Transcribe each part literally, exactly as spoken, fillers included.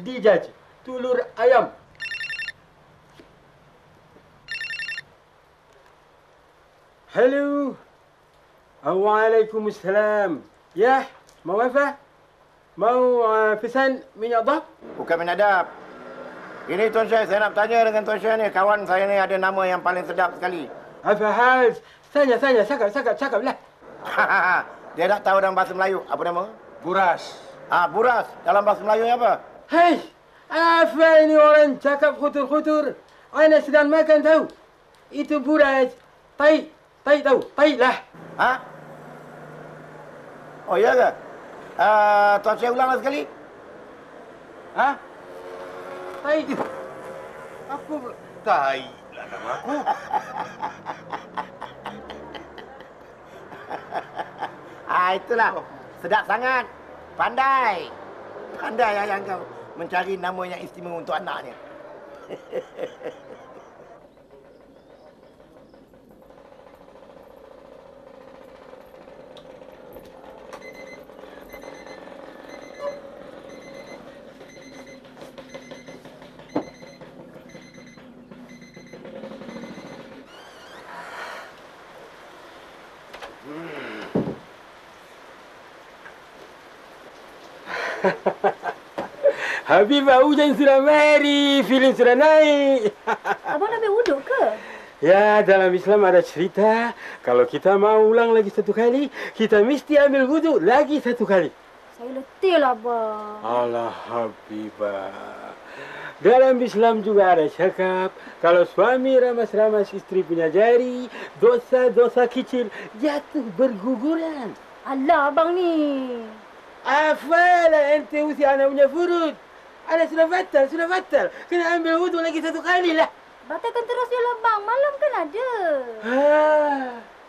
dijaj. Telur ayam. Halo. Waalaikumsalam. Ya, mau apa? Mau uh, pesan minyak dah? Bukan minyak dap. Ini Tuan Syekh, saya nak bertanya dengan Tuan Syekh ni. Kawan saya ni ada nama yang paling sedap sekali. Apa hal? Tanya, tanya. Cakap, cakap, cakap lah. Dia tak tahu dalam bahasa Melayu. Apa nama? Buras. Ah, buras. Dalam bahasa Melayu apa? Hei, apa ini orang cakap khutur-khutur? Ana sedang makan tahu. Itu buras. Tai, tai tahu. Tai lah. Ha? Oh, iya ke? Uh, Tuan Syekh ulanglah sekali. Ha? Tai. Apa pula? Tai lah nama aku. Ah, itulah. Sedap sangat. Pandai. Pandai ayah kau mencari nama yang istimewa untuk anaknya. Habibah, hujan sudah mari, filem sudah naik. Abang nak ambil wuduk ke? Ya, dalam Islam ada cerita, kalau kita mau ulang lagi satu kali, kita mesti ambil wuduk lagi satu kali. Saya letih lah, Abang. Allah Habibah. Dalam Islam juga ada cakap, kalau suami ramas-ramas istri punya jari, dosa-dosa kecil jatuh berguguran. Alah, Abang ni. Apalah ente usi anak punya furut. Anak sudah batal, sudah batal. Kena ambil wuduk lagi satu kali lah. Batalkan terus je lah, Bang. Malam kan ada. Ah.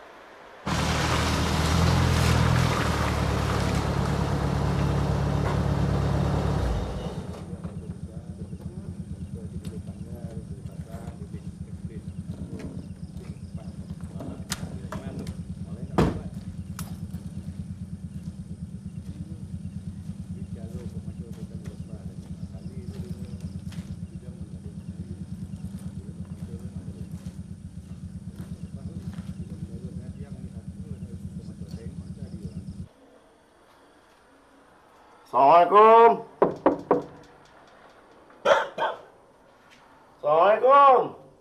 Assalamualaikum. Assalamualaikum.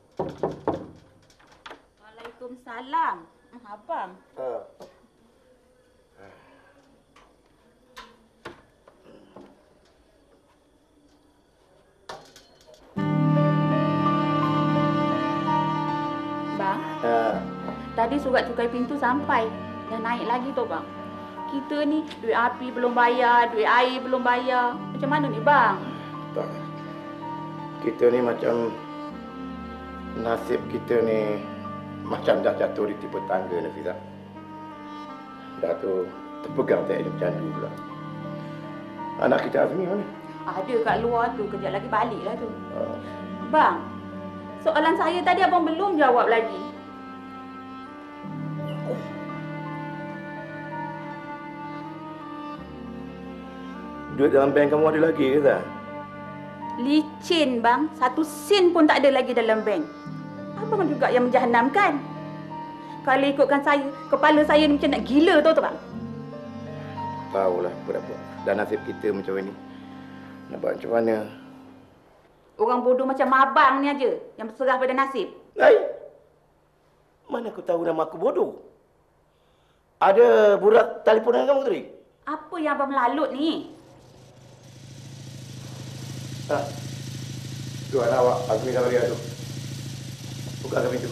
Waalaikumsalam. Abang. Uh. Bang, Uh. tadi surat cukai pintu sampai. Dah naik lagi tu, Bang. Kita ni duit api belum bayar, duit air belum bayar. Macam mana ni, Bang? Tak. Kita ni macam nasib kita ni macam dah jatuh di tipe tangga, Nafizah. Dah tu terpegang tak hidup candu pula. Anak kita Azmi mana? Ada kat luar tu, kejap lagi balik lah tu. Uh. Bang, soalan saya tadi abang belum jawab lagi. Duit dalam bank kamu ada lagi ke tak? Licin, Bang. Satu sen pun tak ada lagi dalam bank. Abang juga yang menjahanamkan. Kalau ikutkan saya, kepala saya ni macam nak gila tahu tak, Bang? Tahulah apa-apa. Dan nasib kita macam ni. Nak buat macam mana? Orang bodoh macam abang ni aja yang berserah pada nasib. Hai! Mana aku tahu nama aku bodoh? Ada budak telefon dengan kamu tadi? Apa yang abang melalut ni? Ha. Tu anak awak, Azmi dah bagi tu. Buka pintu.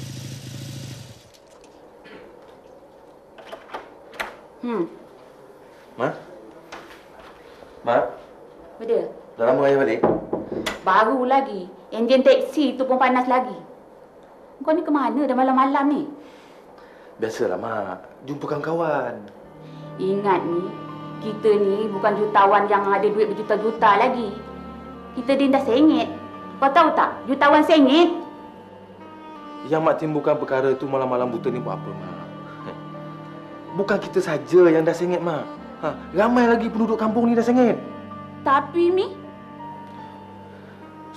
Hmm. Ma? Ma? Beda? Dah lama ayah balik? Baru lagi. Enjin teksi tu pun panas lagi. Kau ni ke mana dah malam-malam ni? Biasalah, Mak. Jumpa kawan-kawan. Ingat ni, kita ni bukan jutawan yang ada duit berjuta-juta lagi. Kita ni dah sengit. Kau tahu tak? Jutawan sengit. Yang Mak timbulkan perkara tu malam-malam buta ni buat apa, Mak? Bukan kita saja yang dah sengit, Mak. Ha, ramai lagi penduduk kampung ni dah sengit. Tapi, Mi,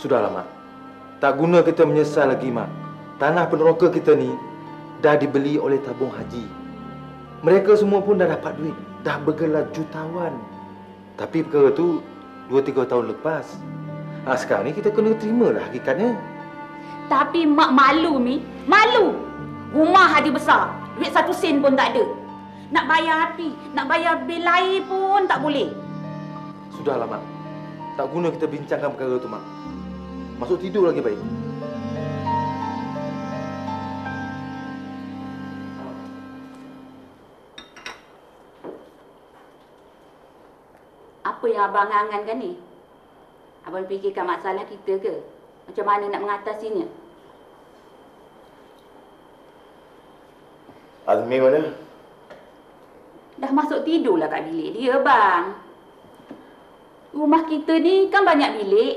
Sudahlah, Mak. Tak guna kita menyesal lagi, Mak. Tanah peneroka kita ni dah dibeli oleh tabung haji. Mereka semua pun dah dapat duit. Dah bergelar jutawan. Tapi perkara tu dua tiga tahun lepas. Ha, sekarang ni kita kena terimalah hakikatnya. Tapi mak malu, Mi. Malu. Rumah haji besar. Duit satu sen pun tak ada. Nak bayar api, nak bayar bil air pun tak boleh. Sudahlah, Mak. Tak guna kita bincangkan perkara tu, Mak. Masuk tidur lagi baik. Apa yang abang angan-angankan ni? Abang fikirkan masalah kita ke? Macam mana nak mengatasinya? Azmi mana? Dah masuk tidurlah kat bilik dia, bang. Rumah kita ni kan banyak bilik.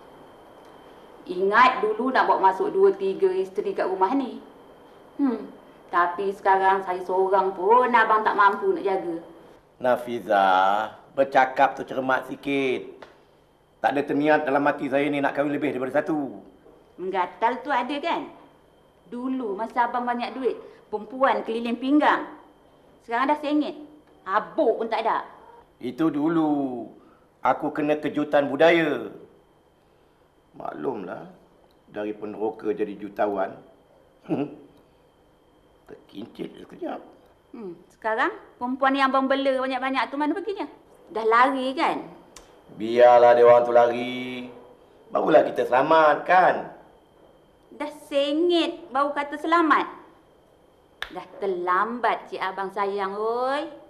Ingat dulu nak bawa masuk dua tiga isteri kat rumah ni. Hmm. Tapi sekarang saya seorang pun abang tak mampu nak jaga. Nafizah, bercakap tu cermat sikit. Tak ada terniat dalam hati saya ni nak kahwin lebih daripada satu. Menggatal tu ada kan? Dulu masa abang banyak duit, perempuan keliling pinggang. Sekarang dah sengit. Habuk pun tak ada. Itu dulu. Aku kena kejutan budaya. Maklumlah, dari peneroka jadi jutawan. Hmm. Terkincit sekejap. Hmm. Sekarang perempuan yang abang bela banyak-banyak tu mana perginya? Dah lari kan? Biarlah dia orang tu lari. Barulah kita selamat kan? Dah sengit baru kata selamat. Dah terlambat cik abang sayang, oi.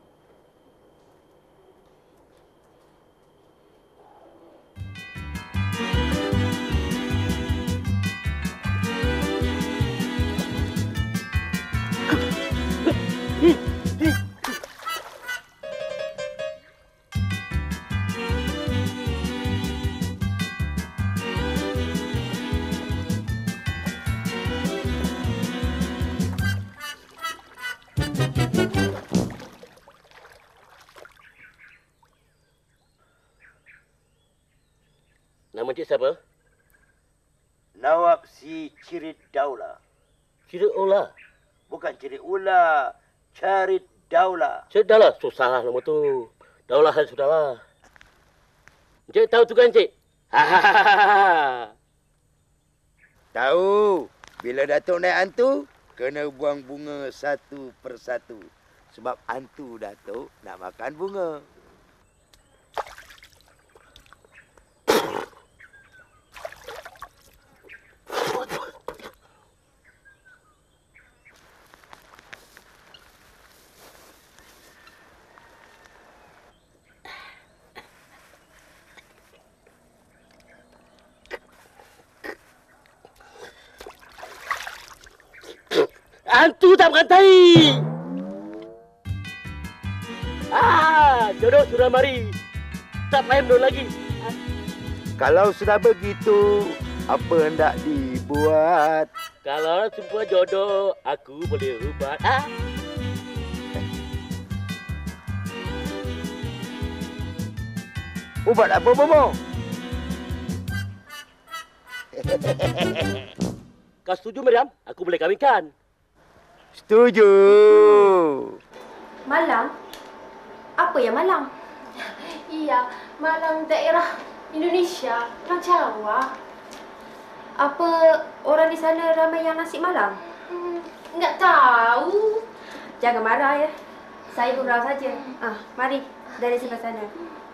Nama cik siapa? Nawab si Cirit Daula. Cirit Ula. Bukan Cirit Ula, Carit Daula. Cik dah lah, susah lah nama tu. Daulah kan sudahlah. Cik tahu tu kan, cik? Hahaha. Tahu, bila Datuk naik hantu, kena buang bunga satu persatu. Sebab hantu Datuk nak makan bunga. Hantu tak berantai. Ah, jodoh sudah mari. Tak payah menurut lagi. Kalau sudah begitu, apa hendak dibuat? Kalau semua jodoh, aku boleh ubat. Ah. Ubat apa, Bomo? Kau setuju, Miriam? Aku boleh kahwinkan. Setuju. Malang? Apa yang Malang? Iya, Malang daerah Indonesia, orang Jawa. Apa orang di sana ramai yang nasi Malang? Hmm, enggak tahu. Jangan marah ya. Saya gurau saja. Ah, mari dari sebelah sana.